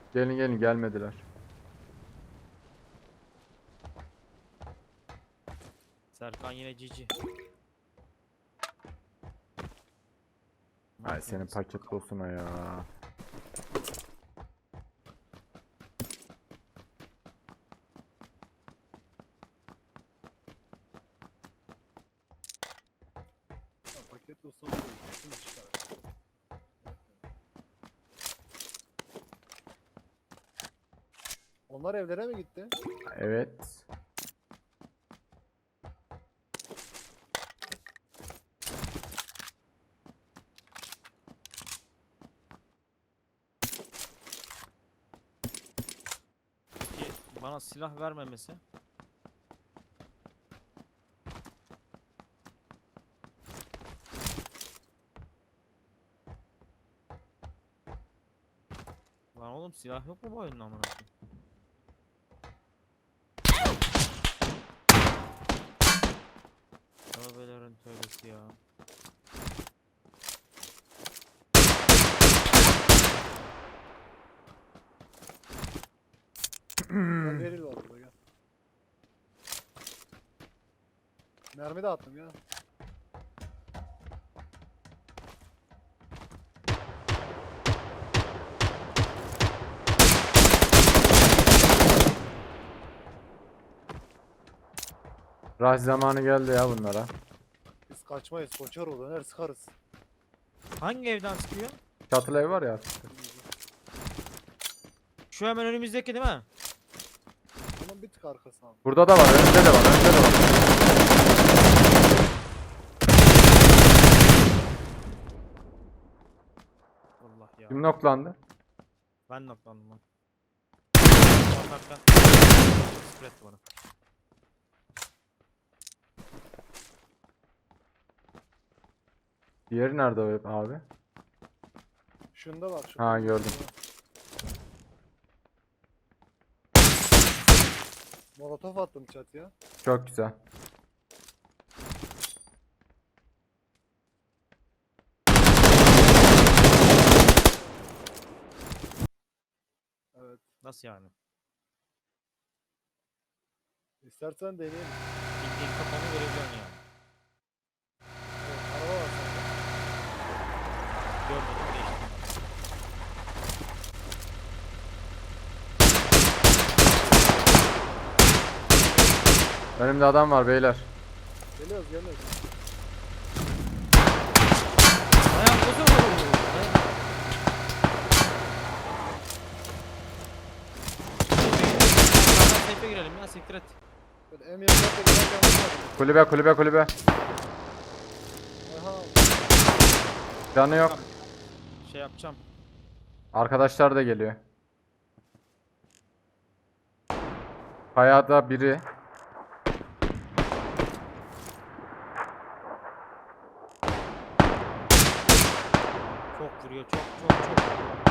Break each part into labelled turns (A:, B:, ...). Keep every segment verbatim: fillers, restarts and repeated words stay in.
A: Gelin gelin, gelmediler.
B: Serkan yine cici.
A: Ay senin paket dostuna ya.
C: Ha, paket olsa olur. Kesin çıkar. Onlar evlere mi gitti?
A: Evet.
B: Ki bana silah vermemesi. Lan oğlum silah yok mu bu oyunun amına koyayım? Tövbelerin tövbesi ya.
C: Gel veril var burada gel. Mermi de attım ya.
A: Rush zamanı geldi ya bunlara.
C: Biz kaçmayız. Koçar o döner sıkarız.
B: Hangi evden çıkıyor?
A: Çatılı ev var ya.
B: Şu hemen önümüzdeki değil mi?
C: Onun bir tık arkasına al.
A: Burada da var, önünde de var, önünde de var.
B: Allah ya.
A: Kim noklandı?
B: Ben noklandım lan. Atarken Spread bana.
A: Diğeri nerede o abi?
C: Şunda var. Şunda
A: Ha,
C: var.
A: gördüm.
C: Molotof attım çatıya.
A: Çok güzel.
C: Evet.
B: Nasıl yani?
C: İstersen deneyelim.
B: Bildiğin kafanı görebiliyorsun yani.
C: Evet, araba var sende.
B: Görmedim değiştim.
A: Önümde adam var beyler.
C: Geliyoruz geliyoruz.
B: Ayağım bozuldu. Seyfe girelim ya, siktir et.
C: Böyle M yirmi dört ile giderken vurmadım.
A: Kulübe kulübe kulübe.
C: Aha.
A: Canı yok.
B: Şey yapacağım.
A: Arkadaşlar da geliyor. Kayada biri.
B: Çok vuruyor, çok çok çok.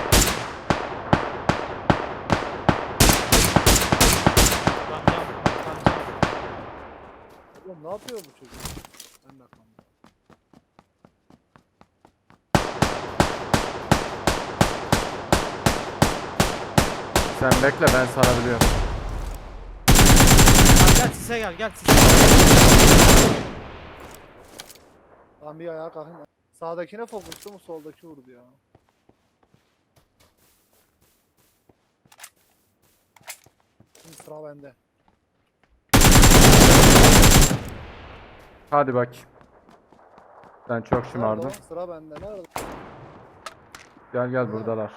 B: Lan can, lan can.
C: Oğlum ne yapıyor bu çocuk? Ben de aklımda.
A: Sen bekle, ben sarabiliyorum.
B: Lan gel sise gel, gel sise.
C: Ben bir ayağa kalkayım. Sağdakine fokuslu mu soldaki vurdu ya. Şimdi sıra bende.
A: Hadi bak. Sen çok
C: Nerede
A: şımardın.
C: o? Sıra bende. Nerede?
A: Gel gel, buradalar.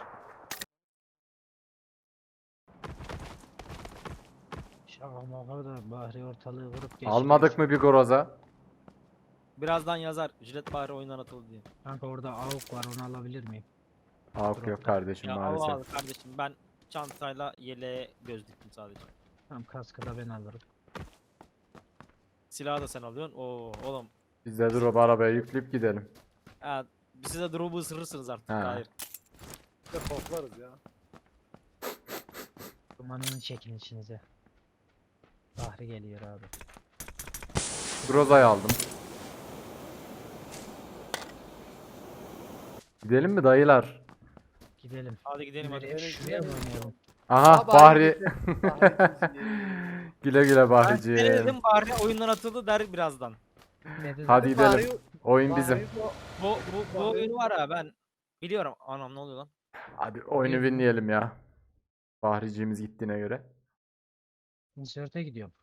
D: Şaka maka da Bahri ortalığı vurup geçti.
A: Almadık mı bir groza?
B: Birazdan yazar. Jilet Bahri oyundan atıldı diye.
D: Kanka orada avuk var, onu alabilir miyim?
A: Yok yok kardeşim,
B: Ya
A: maalesef.
B: al al kardeşim, ben çantayla yeleğe göz diktim sadece.
D: Tamam, kaskı da ben alırım.
B: Silahı da sen alıyorsun. Oo oğlum.
A: Biz de drop arabaya yükleyip gidelim.
B: Ha, siz de drop'u ısırırsınız artık.
A: Ha.
B: Hayır.
C: Bir de koklarız ya.
D: Dumanını çekin içinize. Bahri geliyor abi.
A: Groza'yı aldım. Gidelim mi dayılar?
D: Gidelim.
B: Hadi gidelim hadi.
D: Nereye? Şuraya mı oynayalım?
A: Aha
C: Aa,
A: Bahri.
C: Bahri ikinci.
A: Güle güle
B: Ben
A: Bahriciğim.
B: seni dedim bari oyundan atıldı der birazdan.
D: Dedi
A: Hadi
D: de-
A: gidelim.
C: Bahri-
A: Oyun bizim.
C: Bahri bu-
B: Bu bu bu oyunu var ya ben biliyorum. Anam ne oluyor lan?
A: Hadi oyunu winleyelim ya. Bahriciğimiz gittiğine göre.
D: Insert'e gidiyorum.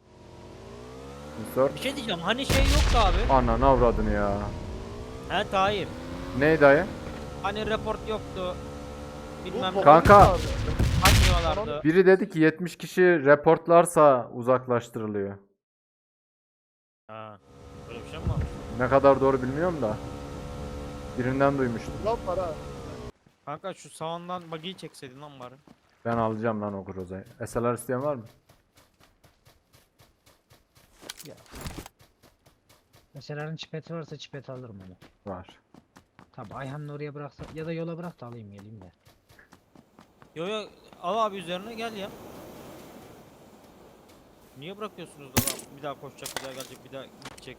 A: Sor.
B: Bir şey diyeceğim. Hani şey yoktu abi.
A: Ananı avradını ya.
B: He Tahir.
A: Neydi dayı?
B: Hani report yoktu.
C: bu
B: Bilmem
C: Pokemon
A: Kanka.
C: vardı.
B: açmıyorlardı.
A: Biri dedi ki yetmiş kişi reportlarsa uzaklaştırılıyor.
B: Ha. Böyle bir şey mi var?
A: Ne kadar doğru bilmiyorum da. Birinden duymuştum.
C: Lan var ha.
B: Kanka şu sağından buggy'yi çekseydin lan bari.
A: Ben alacağım lan o Groza'yı. S L R isteyen var mı?
D: Mesela çipeti varsa çipet alırım onu.
A: Var.
D: Tabi Ayhan'ı oraya bıraksa ya da yola bırak da alayım geleyim de.
B: Yo yo al abi üzerine gel ya. Niye bırakıyorsunuz da adam bir daha koşacak, bir daha gelecek, bir daha gidecek.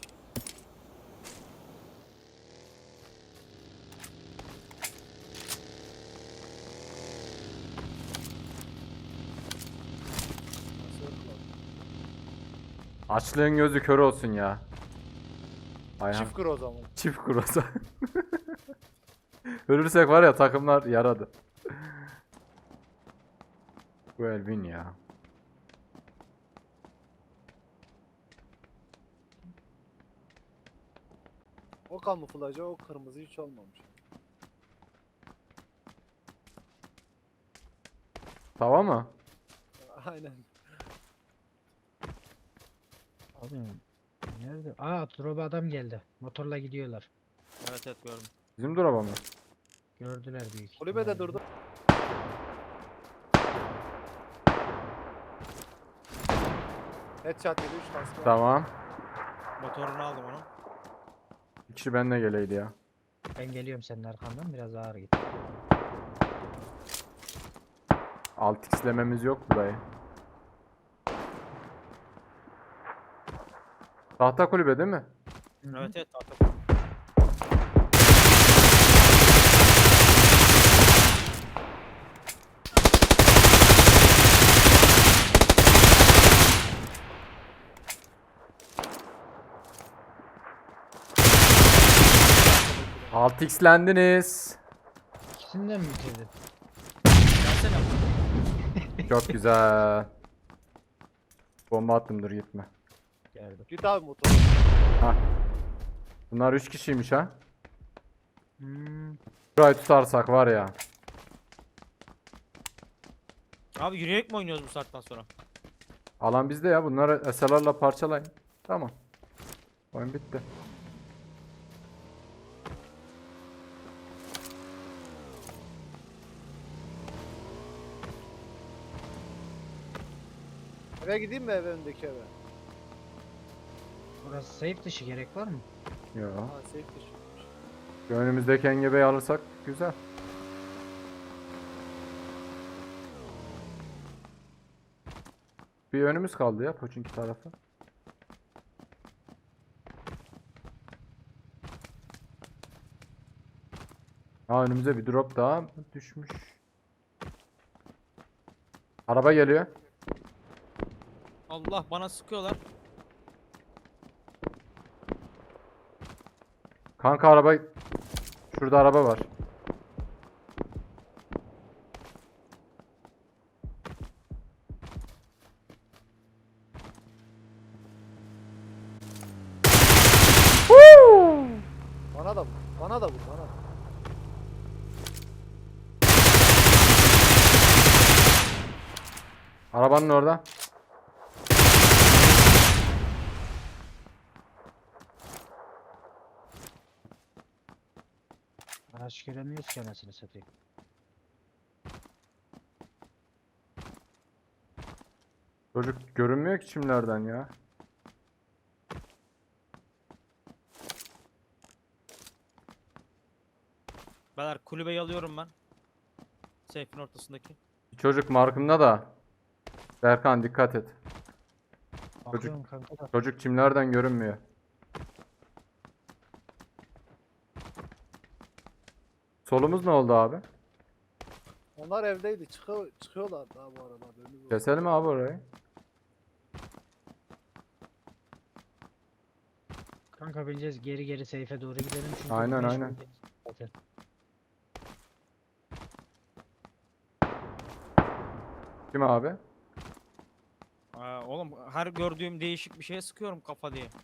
A: Açlığın gözü kör olsun ya. Ayhan.
C: Çift kır o zaman.
A: Çift Groza. Ölürsek var ya takımlar yaradı. Bu Elvin ya.
C: O kamuflajı o kırmızı hiç olmamış.
A: Tava mı?
C: Aynen.
D: Abi nerede? Aa drop'a adam geldi. Motorla gidiyorlar.
B: Evet evet gördüm.
A: Bizim duraba mı?
D: Gördüler büyük.
C: Kulübede
D: ihtimalle.
C: durdu. Headshot yedi üç kaskı var.
A: Tamam.
B: Motorunu aldım onu.
A: Bir kişi benimle geleydi ya.
D: Ben geliyorum senin arkandan biraz ağır git.
A: altı x'lememiz yok mu dayı? Tahta kulübe değil mi?
B: Evet evet artık.
A: altı x'lendiniz.
D: İkisinden mi bitirdin?
B: Gelsene.
A: Çok güzel. Bomba attım dur gitme.
D: Geldim.
C: Git abi motor.
A: Ha. Bunlar üç kişiymiş ha.
D: Hmm.
A: Burayı tutarsak var ya.
B: Abi yürüyerek mi oynuyoruz bu saatten sonra?
A: Alan bizde ya. Bunları S L R'la parçalayın. Tamam. Oyun bitti.
C: Eve gideyim mi eve öndeki eve?
D: Burası safe dışı gerek var mı?
A: Yo.
C: Ha safe dışı.
A: Şu önümüzdeki engebeyi alırsak güzel. Bir önümüz kaldı ya Poçinki tarafı. Ha önümüze bir drop daha düşmüş. Araba geliyor.
B: Allah bana sıkıyorlar.
A: Kanka araba şurada araba var.
C: Bana da vur. Bana da vur. Bana da.
A: Arabanın orada.
D: Araç göremiyoruz ki anasını satayım.
A: Çocuk görünmüyor ki çimlerden ya.
B: Beyler kulübeyi alıyorum ben. Seyfin ortasındaki.
A: Çocuk markımda da. Berkan dikkat et.
D: Bakıyorum kanka da.
A: Çocuk çimlerden görünmüyor. Solumuz ne oldu abi?
C: Onlar evdeydi. Çıkıyor, çıkıyorlar daha bu arada. haberiniz olsun.
A: Keselim abi orayı.
D: Kanka bileceğiz geri geri seyfe doğru gidelim çünkü
A: Aynen,
D: güneş
A: aynen.
D: oldu zaten.
A: Kim abi?
B: Aa, oğlum her gördüğüm değişik bir şeye sıkıyorum kafa diye.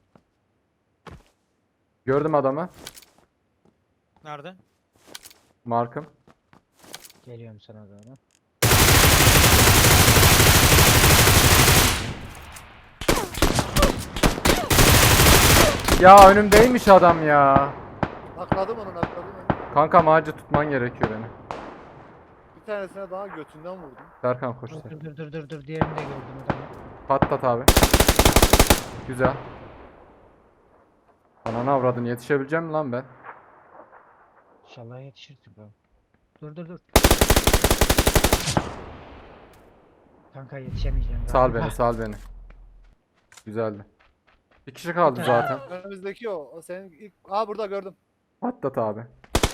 A: Gördüm adamı.
B: Nerede?
A: Markım.
D: Geliyorum sana doğru.
A: Ya önümdeymiş adam ya.
C: Nakladım onu nakladım onu.
A: Kanka ağacı tutman gerekiyor beni.
C: Bir tanesine daha götünden vurdum.
A: Serkan koş
D: Dur
A: sen.
D: dur dur dur dur dur diğerini de gördüm adamı.
A: Patlat abi. Güzel. Ananı avradın, yetişebileceğim mi lan ben?
D: İnşallah yetişirsin bro. Dur dur dur. Kanka yetişemeyeceğim
A: Sal
D: galiba.
A: beni, sal beni. Güzeldi. Bir kişi kaldı zaten.
C: Önümüzdeki o. O senin ilk... Aa burada gördüm.
A: Patlat abi.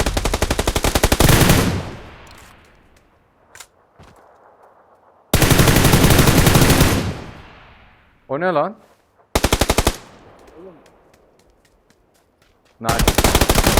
A: O ne lan?
C: Oğlum
A: Nice.